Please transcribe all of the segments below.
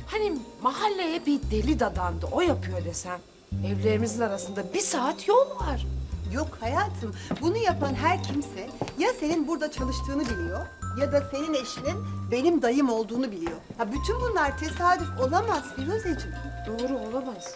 Hani mahalleye bir deli dadandı, o yapıyor desem. Evlerimizin arasında 1 saat yol var. Yok hayatım, bunu yapan her kimse ya senin burada çalıştığını biliyor ya da senin eşinin benim dayım olduğunu biliyor. Ha, bütün bunlar tesadüf olamaz Firuzeciğim. Doğru, olamaz.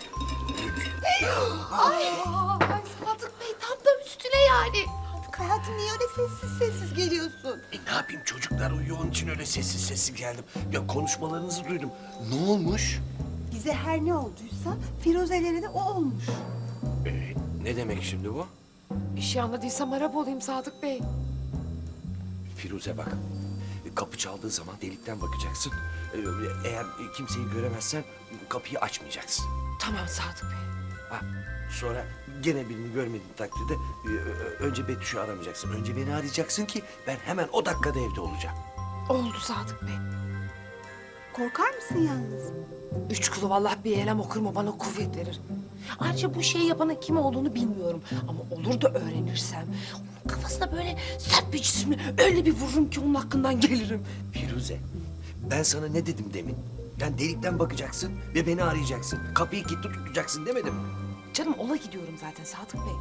Ay, Sadık Bey tam da üstüne yani. Sadık hayatım niye öyle sessiz sessiz geliyorsun? Ne yapayım, çocuklar uyuyor, onun için öyle sessiz sessiz geldim. Ya konuşmalarınızı duydum. Ne olmuş? Bize her ne olduysa Firuze'lere de o olmuş. Ne demek şimdi bu? Bir şey anladıysam Arap olayım Sadık Bey. Firuze bak. Kapı çaldığı zaman delikten bakacaksın. Eğer kimseyi göremezsen kapıyı açmayacaksın. Tamam Sadık Bey. Ha, sonra gene birini görmediğin takdirde önce Betüş'ü aramayacaksın. Önce beni arayacaksın ki ben hemen o dakikada evde olacağım. Oldu Sadık Bey. Korkar mısın yalnız? 3 kulu vallahi bir elem okur mu bana kuvvet verir. Ayrıca bu şeyi yapanın kim olduğunu bilmiyorum. Ama olur da öğrenirsem onun kafasına böyle sert bir cisimle öyle bir vururum ki onun hakkından gelirim. Firuze, ben sana ne dedim demin? Yani delikten bakacaksın ve beni arayacaksın. Kapıyı kilitli tutacaksın demedim mi? Canım ola gidiyorum zaten Sadık Bey.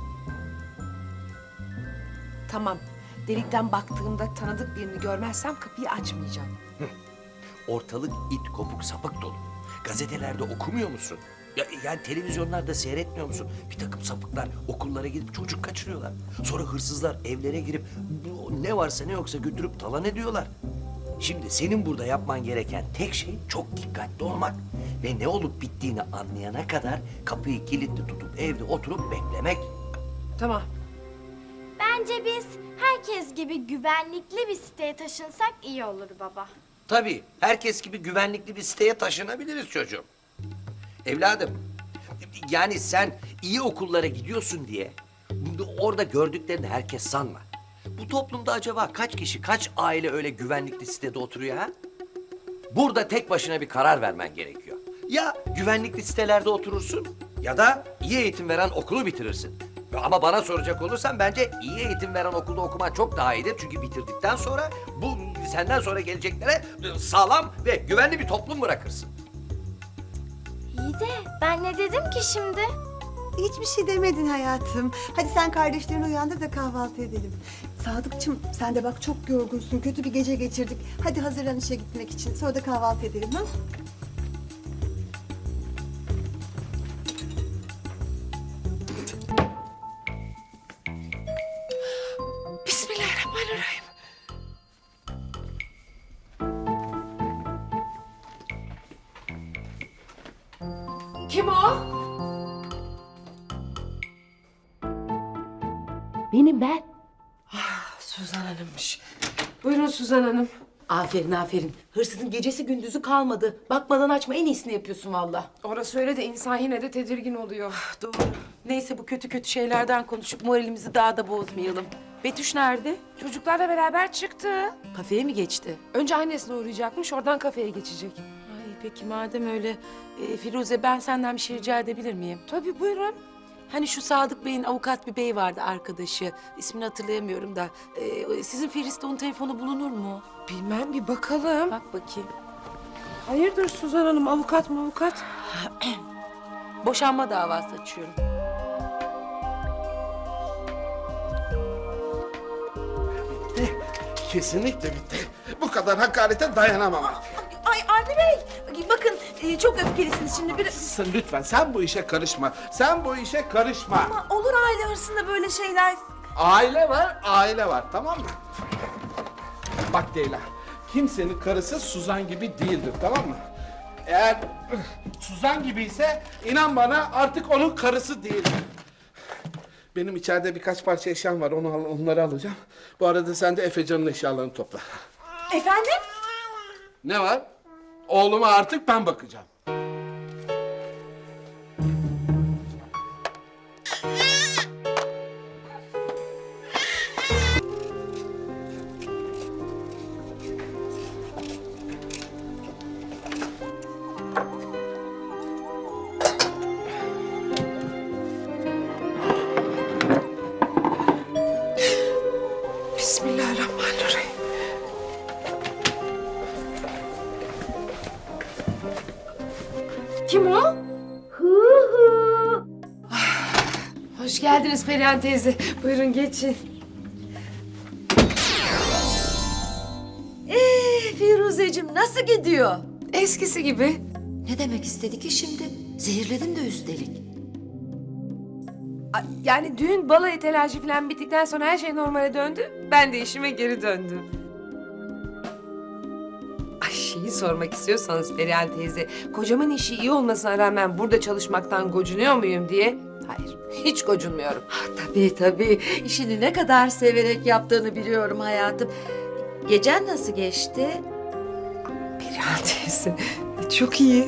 Tamam. Delikten baktığımda tanıdık birini görmezsem kapıyı açmayacağım. Ortalık it kopuk sapık dolu. Gazetelerde okumuyor musun? Yani televizyonlarda seyretmiyor musun? Bir takım sapıklar okullara gidip çocuk kaçırıyorlar. Sonra hırsızlar evlere girip ne varsa ne yoksa götürüp talan ediyorlar. Şimdi senin burada yapman gereken tek şey çok dikkatli olmak. Ve ne olup bittiğini anlayana kadar kapıyı kilitli tutup evde oturup beklemek. Tamam. Bence biz herkes gibi güvenlikli bir siteye taşınsak iyi olur baba. Tabii herkes gibi güvenlikli bir siteye taşınabiliriz çocuğum. Evladım, yani sen iyi okullara gidiyorsun diye orada gördüklerini herkes sanma. Bu toplumda acaba kaç kişi, kaç aile öyle güvenlikli sitede oturuyor ha? Burada tek başına bir karar vermen gerekiyor. Ya güvenlikli sitelerde oturursun ya da iyi eğitim veren okulu bitirirsin. Ama bana soracak olursan bence iyi eğitim veren okulda okuman çok daha iyidir. Çünkü bitirdikten sonra bu senden sonra geleceklere sağlam ve güvenli bir toplum bırakırsın. İyi de ben ne dedim ki şimdi? Hiçbir şey demedin hayatım. Hadi sen kardeşlerini uyandır da kahvaltı edelim. Sadıkçım sen de bak çok yorgunsun. Kötü bir gece geçirdik. Hadi hazırlan işe gitmek için. Sonra da kahvaltı edelim ha? Bismillahirrahmanirrahim. Kim o? Benim ben. Suzan Hanım'mış. Buyurun Suzan Hanım. Aferin aferin. Hırsızın gecesi gündüzü kalmadı. Bakmadan açma en iyisini yapıyorsun valla. Orası öyle de insan yine de tedirgin oluyor. Doğru. Neyse bu kötü kötü şeylerden konuşup moralimizi daha da bozmayalım. Betüş nerede? Çocuklarla beraber çıktı. Kafeye mi geçti? Önce annesine uğrayacakmış, oradan kafeye geçecek. Ay peki madem öyle. Firuze ben senden bir şey rica edebilir miyim? Tabii buyurun. Hani şu Sadık Bey'in avukat bir bey vardı arkadaşı. İsmini hatırlayamıyorum da. Sizin Firis'te onun telefonu bulunur mu? Bilmem bir bakalım. Bak bakayım. Hayırdır Suzan Hanım, avukat mı avukat? Boşanma davası açıyorum. Kesinlikle bitti. Bu kadar hakarete dayanamam artık. Ay Avni Bey, bakın çok öfkelisiniz şimdi. Lütfen sen bu işe karışma. Sen bu işe karışma. Ama olur aile arasında böyle şeyler. Aile var, aile var. Tamam mı? Bak Leyla, kimsenin karısı Suzan gibi değildir. Tamam mı? Eğer Suzan gibi ise inan bana artık onun karısı değildir. Benim içeride birkaç parça eşyam var. Onları alacağım. Bu arada sen de Efecan'ın eşyalarını topla. Efendim? Ne var? Oğluma artık ben bakacağım. Bismillahirrahmanirrahim. Kim o? Hoş geldiniz Perihan teyze. Buyurun geçin. Firuzeciğim nasıl gidiyor? Eskisi gibi. Ne demek istedi ki şimdi? Zehirledin de üstelik. Yani düğün balayı telaşı falan bittikten sonra her şey normale döndü. Ben de işime geri döndüm. Ay şeyi sormak istiyorsanız Perihan teyze, kocamın işi iyi olmasına rağmen burada çalışmaktan gocunuyor muyum diye. Hayır, hiç gocunmuyorum. Tabii tabii. İşini ne kadar severek yaptığını biliyorum hayatım. Gecen nasıl geçti? Perihan teyze, çok iyi.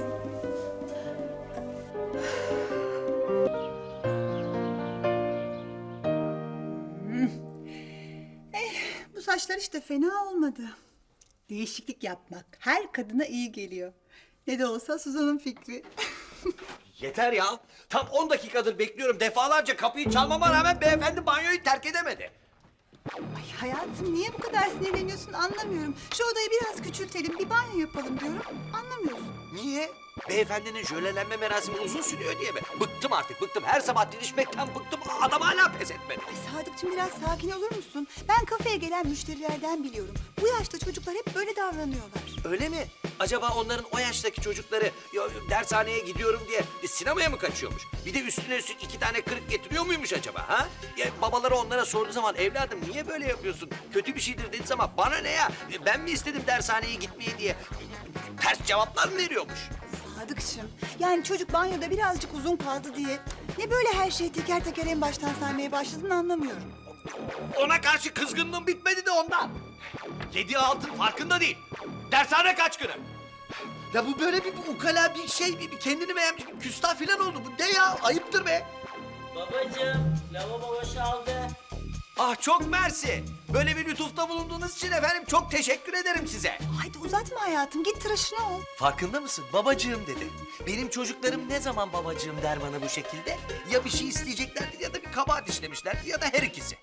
Bu saçlar işte fena olmadı. Değişiklik yapmak her kadına iyi geliyor. Ne de olsa Suzan'ın fikri. Yeter ya. Tam 10 dakikadır bekliyorum. Defalarca kapıyı çalmama rağmen beyefendi banyoyu terk edemedi. Ay hayatım niye bu kadar sinirleniyorsun anlamıyorum. Şu odayı biraz küçültelim, bir banyo yapalım diyorum. Anlamıyorsun. Niye? Beyefendinin jölelenme merasimi uzun sürüyor diye mi? Bıktım artık, bıktım. Her sabah didişmekten bıktım. Adam hala pes etmedi. Ay Sadıkçım biraz sakin olur musun? Ben kafeye gelen müşterilerden biliyorum. Bu yaşta çocuklar hep böyle davranıyorlar. Öyle mi? Acaba onların o yaştaki çocukları dershaneye gidiyorum diye sinemaya mı kaçıyormuş? Bir de üstüne üstlük 2 tane kırık getiriyor muymuş acaba ha? Ya babaları onlara sorduğu zaman evladım niye böyle yapıyorsun? Kötü bir şeydir dediği zaman bana ne ya? Ben mi istedim dershaneye gitmeyi diye? Ters cevaplar mı veriyormuş? Sadıkçım yani çocuk banyoda birazcık uzun kaldı diye ne böyle her şeyi teker teker en baştan saymaya başladın anlamıyorum. Ona karşı kızgınlığım bitmedi de ondan. Yediği altın farkında değil. Dershane kaç günü? Ya bu böyle bir ukala bir şey, bir kendini beğenmiş bir küstah falan oldu. Bu ne ya? Ayıptır be. Babacığım, lavabo boşaldı. Ah çok mersi. Böyle bir lütufta bulunduğunuz için efendim çok teşekkür ederim size. Haydi uzatma hayatım git tıraşını ol. Farkında mısın? Babacığım dedi. Benim çocuklarım ne zaman babacığım der bana bu şekilde? Ya bir şey isteyeceklerdi ya da bir kabahat işlemişlerdi ya da her ikisi.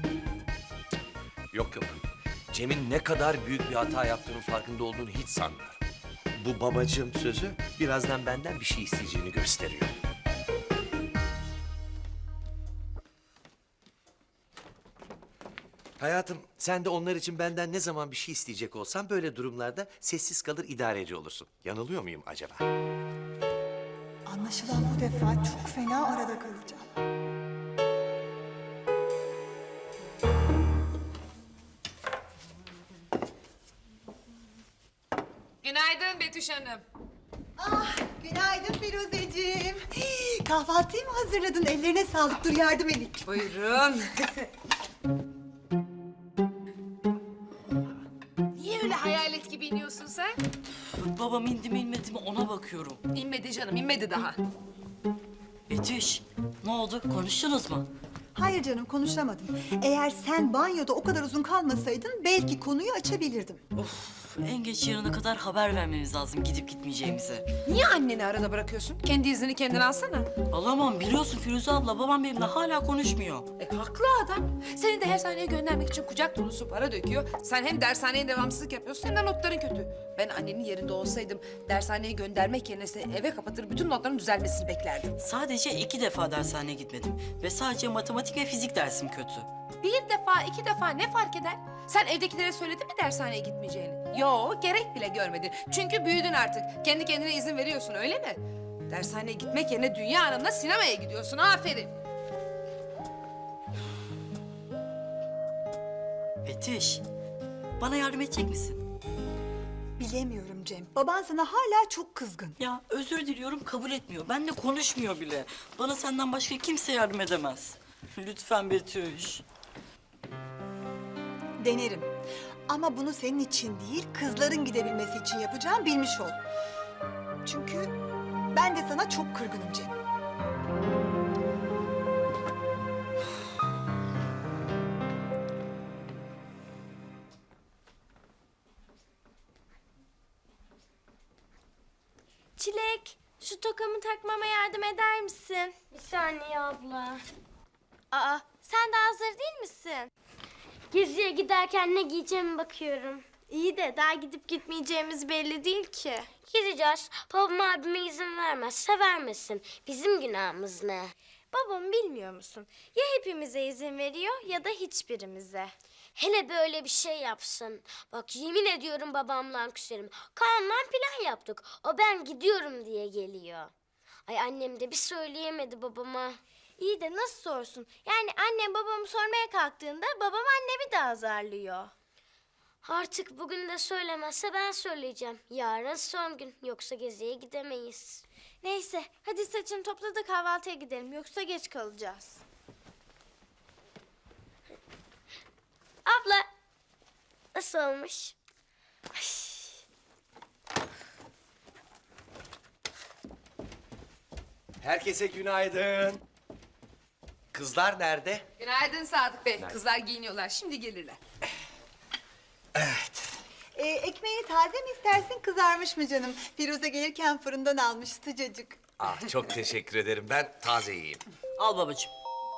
Yok yok. Cem'in ne kadar büyük bir hata yaptığının farkında olduğunu hiç sanmıyorum. Bu babacığım sözü birazdan benden bir şey isteyeceğini gösteriyor. Hayatım, sen de onlar için benden ne zaman bir şey isteyecek olsan böyle durumlarda sessiz kalır idareci olursun. Yanılıyor muyum acaba? Anlaşılan bu defa çok fena arada kalacağım. Günaydın Betüş Hanım. Ah günaydın Firuzeciğim. Kahvaltıyı mı hazırladın? Ellerine sağlık dur yardım edeyim. Buyurun. Niye öyle hayalet gibi iniyorsun sen? Babam indi mi inmedi mi ona bakıyorum. İnmedi canım, inmedi daha. Betüş, ne oldu? Konuştunuz mu? Hayır canım konuşamadım. Eğer sen banyoda o kadar uzun kalmasaydın belki konuyu açabilirdim. Of, en geç yarına kadar haber vermemiz lazım gidip gitmeyeceğimizi. Niye anneni arada bırakıyorsun? Kendi iznini kendin alsana. Alamam, biliyorsun Firuze abla, babam benimle hala konuşmuyor. Haklı adam. Seni de dershaneye göndermek için kucak dolusu para döküyor. Sen hem dershaneye devamsızlık yapıyorsun hem de notların kötü. Ben annenin yerinde olsaydım dershaneye göndermek yerine seni eve kapatır bütün notların düzelmesini beklerdim. Sadece 2 defa dershaneye gitmedim ve sadece matematik ve fizik dersim kötü. Bir defa, iki defa ne fark eder? Sen evdekilere söyledin mi dershaneye gitmeyeceğini? Yo, gerek bile görmedin. Çünkü büyüdün artık. Kendi kendine izin veriyorsun, öyle mi? Dershaneye gitmek yerine Dünya Hanım'la sinemaya gidiyorsun. Aferin. Betüş, bana yardım edecek misin? Bilemiyorum Cem. Baban sana hala çok kızgın. Ya özür diliyorum, kabul etmiyor. Benimle konuşmuyor bile. Bana senden başka kimse yardım edemez. Lütfen Betüş. Denerim. Ama bunu senin için değil, kızların gidebilmesi için yapacağım bilmiş ol. Çünkü ben de sana çok kırgınım Cem. Çilek, şu tokamı takmama yardım eder misin? Bir saniye abla. Aa, sen de hazır değil misin? Geziye giderken ne giyeceğime bakıyorum. İyi de daha gidip gitmeyeceğimiz belli değil ki. Gideceğiz. Babam abime izin vermezse vermesin. Bizim günahımız ne? Babam bilmiyor musun? Ya hepimize izin veriyor ya da hiçbirimize. Hele böyle bir şey yapsın. Bak yemin ediyorum babamla küserim. Kaan'la plan yaptık. O ben gidiyorum diye geliyor. Ay annem de bir söyleyemedi babama. İyi de nasıl sorsun? Yani annem babamı sormaya kalktığında babam annemi de azarlıyor. Artık bugün de söylemezse ben söyleyeceğim. Yarın son gün. Yoksa geziye gidemeyiz. Neyse hadi saçını topla da kahvaltıya gidelim. Yoksa geç kalacağız. Abla. Nasıl olmuş? Ay. Herkese günaydın. Kızlar nerede? Günaydın Sadık Bey. Kızlar giyiniyorlar. Şimdi gelirler. Evet. Ekmeğini taze mi istersin, kızarmış mı canım? Firuze gelirken fırından almış sıcacık. Ah çok teşekkür ederim. Ben taze yiyeyim. Al babacığım.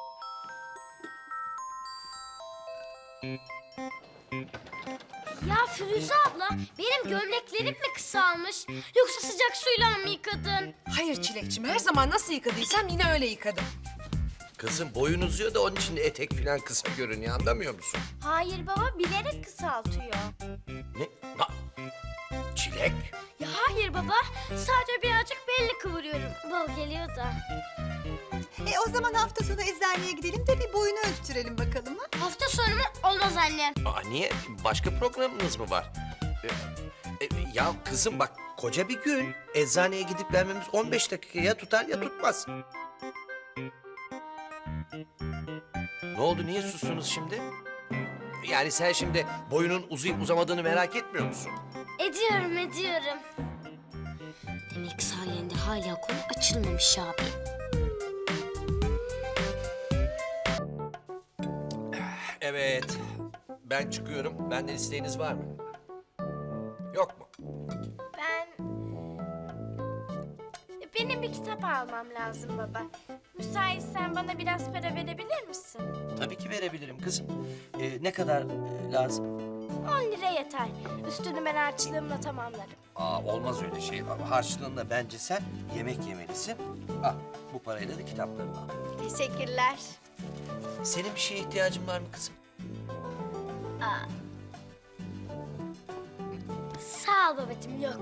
Ya Firuze abla benim gömleklerim mi kısalmış? Yoksa sıcak suyla mı yıkadın? Hayır Çilekçim, her zaman nasıl yıkadıysam yine öyle yıkadım. Kızım boyun uzuyor da onun için etek falan kısa görünüyor, anlamıyor musun? Hayır baba bilerek kısaltıyor. Ne? Ha, Çilek. Ya hayır baba sadece birazcık belli kıvırıyorum. Bol geliyor da. O zaman hafta sonu eczaneye gidelim de bir boyunu ölçtürelim bakalım ha? Hafta sonu mu? Olmaz anne. Aa, niye? Başka programınız mı var? Ya kızım bak koca bir gün. Eczaneye gidip gelmemiz 15 dakikaya tutar ya tutmaz. Ne oldu? Niye sustunuz şimdi? Yani sen şimdi boyunun uzayıp uzamadığını merak etmiyor musun? Ediyorum. Demek sayende hala konu açılmamış abi. Evet. Ben çıkıyorum. Benden isteğiniz var mı? Yok mu? Benim bir kitap almam lazım baba. Müsaitsen bana biraz para verebilir misin? Tabii ki verebilirim kızım. Ne kadar lazım? 10 lira yeter. Üstünü ben harçlığımla tamamlarım. Olmaz öyle şey. Harçlığında bence sen yemek yemelisin. Bu parayla da kitaplarını al. Teşekkürler. Senin bir şeye ihtiyacın var mı kızım? Sağ ol babacığım yok.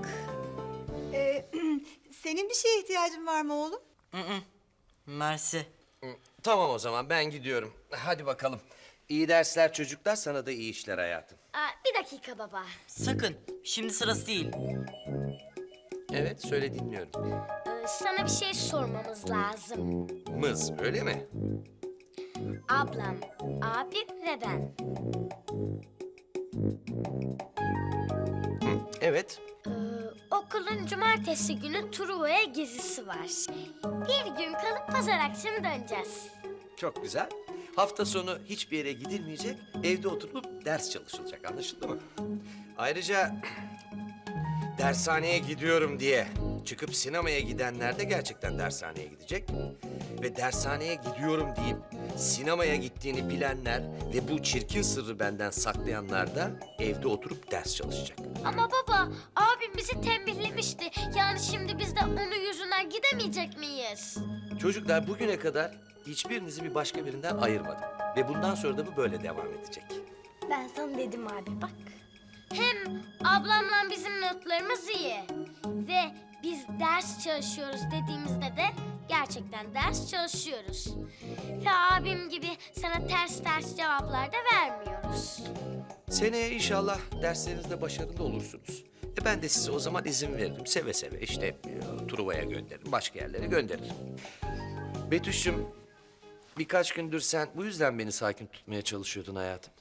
Senin bir şeye ihtiyacın var mı oğlum? Mersi. Tamam o zaman ben gidiyorum. Hadi bakalım. İyi dersler çocuklar, sana da iyi işler hayatım. Bir dakika baba. Sakın. Şimdi sırası değil. Evet, söyle dinliyorum. Sana bir şey sormamız lazım. Mız, öyle mi? Ablam, abim ve ben. Evet. Okulun cumartesi günü Truva'ya gezisi var. Bir gün kalıp pazar akşamı döneceğiz. Çok güzel. Hafta sonu hiçbir yere gidilmeyecek, evde oturup ders çalışılacak, anlaşıldı mı? Ayrıca dershaneye gidiyorum diye çıkıp sinemaya gidenler de gerçekten dershaneye gidecek. Ve dershaneye gidiyorum deyip sinemaya gittiğini bilenler ve bu çirkin sırrı benden saklayanlar da evde oturup ders çalışacak. Ama baba, abim bizi tembihlemişti. Yani şimdi biz de onun yüzünden gidemeyecek miyiz? Çocuklar bugüne kadar hiçbirinizi bir başka birinden ayırmadım. Ve bundan sonra da bu böyle devam edecek. Ben sana dedim abi bak. Hem ablamla bizim notlarımız iyi. Ve biz ders çalışıyoruz dediğimizde de gerçekten ders çalışıyoruz. Ve abim gibi sana ters cevaplar da vermiyoruz. Seneye inşallah derslerinizde başarılı olursunuz. Ben de size o zaman izin veririm. Seve seve işte Truva'ya gönderirim, başka yerlere gönderirim. Betüş'üm, birkaç gündür sen bu yüzden beni sakin tutmaya çalışıyordun hayatım.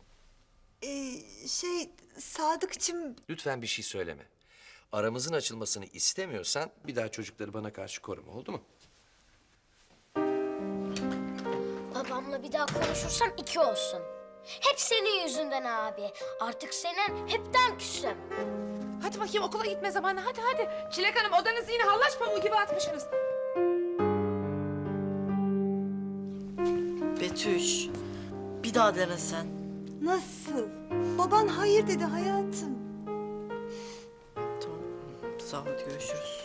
Sadıkçım... Lütfen bir şey söyleme. Aramızın açılmasını istemiyorsan bir daha çocukları bana karşı koruma, oldu mu? Babamla bir daha konuşursam 2 olsun. Hep senin yüzünden abi. Artık senin hepten küsüm. Hadi bakayım okula gitme zamanı. Hadi. Çilek Hanım odanızı yine hallaç pamuğu gibi atmışsınız. Betüş. Bir daha denesen. Nasıl? Baban hayır dedi hayatım. sağ ol, hadi görüşürüz.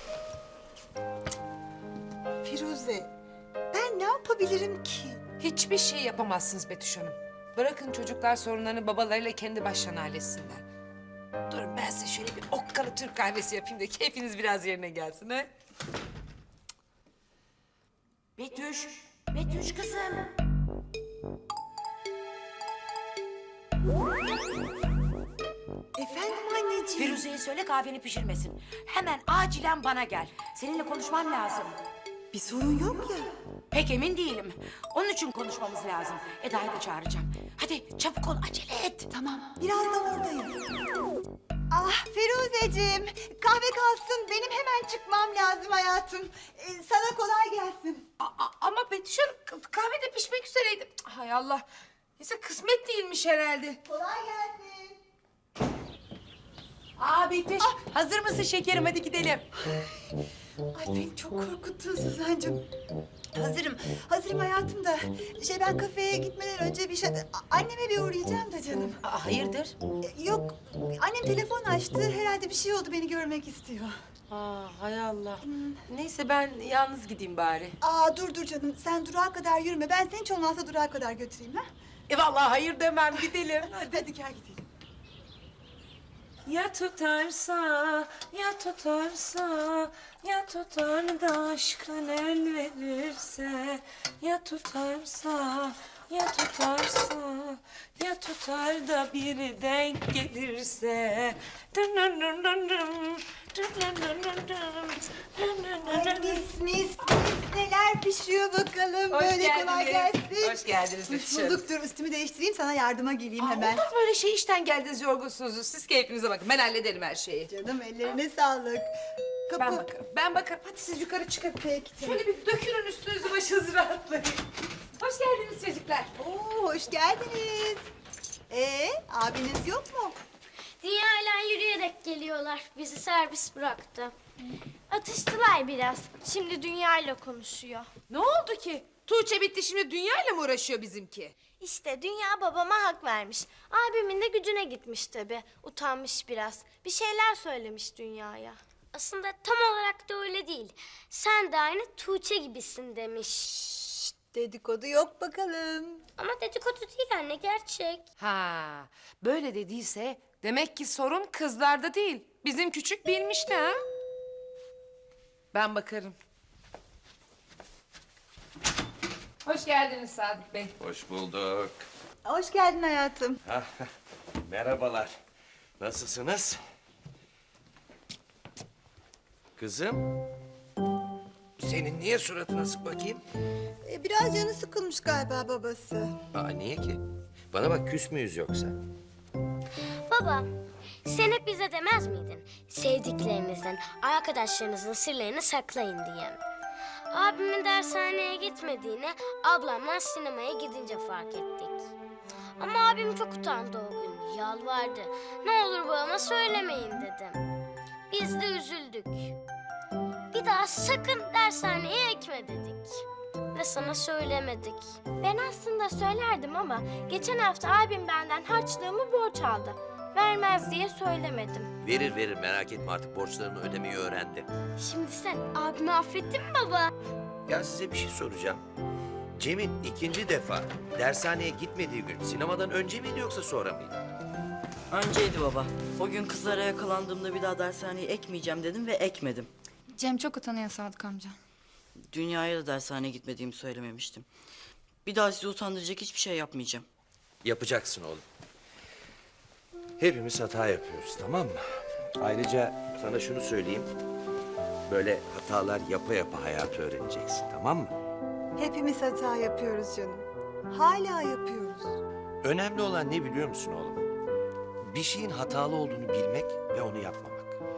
Firuze, ben ne yapabilirim ki? Hiçbir şey yapamazsınız Betüş Hanım. Bırakın çocuklar sorunlarını babalarıyla kendi başlarına halletsinler. Durun ben size şöyle bir okkalı Türk kahvesi yapayım da keyfiniz biraz yerine gelsin ha. Betüş, Betüş kızım. Efendim anneciğim. Firuze'ye söyle kahveni pişirmesin. Hemen acilen bana gel. Seninle konuşmam lazım. Bir sorun yok ya. Pek emin değilim. Onun için konuşmamız lazım. Eda'yı da çağıracağım. Hadi çabuk ol, acele et. Tamam, birazdan oradayım. Ah Firuzeciğim, kahve kalsın. Benim hemen çıkmam lazım hayatım. Sana kolay gelsin. Ama Betüş Hanım kahve de pişmek üzereydi. Hay Allah. Neyse kısmet değilmiş herhalde. Kolay gelsin. Aa Betüş, hazır mısın şekerim? Hadi gidelim. Ay beni çok korkuttun Suzancığım. Hazırım, hazırım hayatım da. Ben kafeye gitmeden önce anneme bir uğrayacağım da canım. Hayırdır? Yok, annem telefon açtı. Herhalde bir şey oldu, beni görmek istiyor. Hay Allah. Neyse ben yalnız gideyim bari. Dur canım, sen durağa kadar yürüme. Ben seni hiç olmazsa durağa kadar götüreyim ha. Vallahi hayır demem, gidelim. Hadi gel gidelim. Ya tutarsa, ya tutarsa, ya tutar da aşkın el verirse, ya tutarsa, ya tutarsa, ya tutar da biri denk gelirse. Mis neler pişiyor bakalım. Böyle kolay gelsin. Hoş geldiniz Hoş bulduk. Dur üstümü değiştireyim, sana yardıma geleyim hemen. Olur böyle şey işten geldiniz yorgunsunuz. Siz keyfinize bakın. Ben hallederim her şeyi. Canım ellerine sağlık. Kapı. Ben bakarım. Ben bakarım. Hadi siz yukarı çıkın. Peki canım. Şöyle bir dökülün üstünüzü başınızı rahatlayın. Hoş geldiniz çocuklar. Hoş geldiniz. Abiniz yok mu? Dünyayla yürüyerek geliyorlar. Bizi servis bıraktı. Atıştılar biraz. Şimdi Dünyayla konuşuyor. Ne oldu ki? Tuğçe bitti şimdi dünyayla mı uğraşıyor bizimki? İşte Dünya babama hak vermiş. Abimin de gücüne gitmiş tabii. Utanmış biraz. Bir şeyler söylemiş Dünya'ya. Aslında tam olarak da öyle değil. Sen de aynı Tuğçe gibisin demiş. Dedikodu yok bakalım. Ama dedikodu değil anne, gerçek. Ha, böyle dediyse demek ki sorun kızlarda değil. Bizim küçük bilmişti ha. Ben bakarım. Hoş geldiniz Sadık Bey. Hoş bulduk. Hoş geldin hayatım. Merhabalar. Nasılsınız? Kızım. Senin niye suratına asık bakayım? Biraz canı sıkılmış galiba babası. Niye ki? Bana bak küs müyüz yoksa? Baba, sen hep bize demez miydin? Sevdiklerinizden, arkadaşlarınızın sırlarını saklayın diye. Abimin dershaneye gitmediğini ablamla sinemaya gidince fark ettik. Ama abim çok utandı o gün, yalvardı. Ne olur babama söylemeyin dedim. Biz de üzüldük. Bir daha sakın dershaneye ekme dedik. Ve sana söylemedik. Ben aslında söylerdim ama geçen hafta abim benden harçlığımı borç aldı. Vermez diye söylemedim. Verir merak etme artık borçlarını ödemeyi öğrendi. Şimdi sen abimi affettin mi baba? Ya size bir şey soracağım. Cem'in ikinci defa dershaneye gitmediği gün sinemadan önce miydi yoksa sonra mıydı? Önceydi baba. O gün kızlara yakalandığımda bir daha dershaneye ekmeyeceğim dedim ve ekmedim. Cem çok utanıyor Sadık amca. Dünyaya da dershaneye gitmediğimi söylememiştim. Bir daha sizi utandıracak hiçbir şey yapmayacağım. Yapacaksın oğlum. Hepimiz hata yapıyoruz, tamam mı? Ayrıca sana şunu söyleyeyim. Böyle hatalar yapa yapa hayatı öğreneceksin, tamam mı? Hepimiz hata yapıyoruz canım. Hala yapıyoruz. Önemli olan ne biliyor musun oğlum? Bir şeyin hatalı olduğunu bilmek ve onu yapmamak.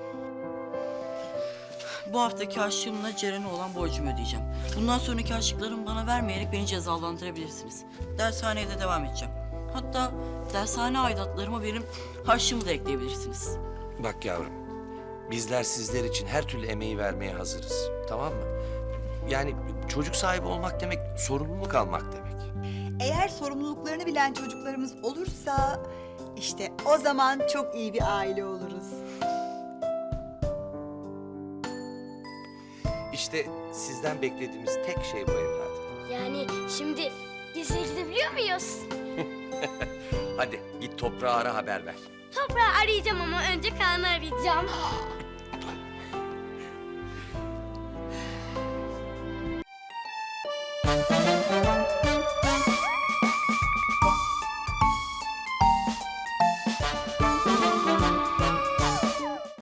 Bu haftaki harçlığımla Ceren'e olan borcumu ödeyeceğim. Bundan sonraki harçlıklarımı bana vermeyerek beni cezalandırabilirsiniz. Dershaneye de devam edeceğim. Hatta dershane aidatlarıma benim harçlığımı da ekleyebilirsiniz. Bak yavrum, bizler sizler için her türlü emeği vermeye hazırız, tamam mı? Yani çocuk sahibi olmak demek, sorumluluk almak demek. Eğer sorumluluklarını bilen çocuklarımız olursa işte o zaman çok iyi bir aile oluruz. İşte sizden beklediğimiz tek şey bu evladım. Yani şimdi geziye gidebiliyor muyuz? Hadi git toprağı ara haber ver. Toprağı arayacağım ama önce Kaan'ı arayacağım.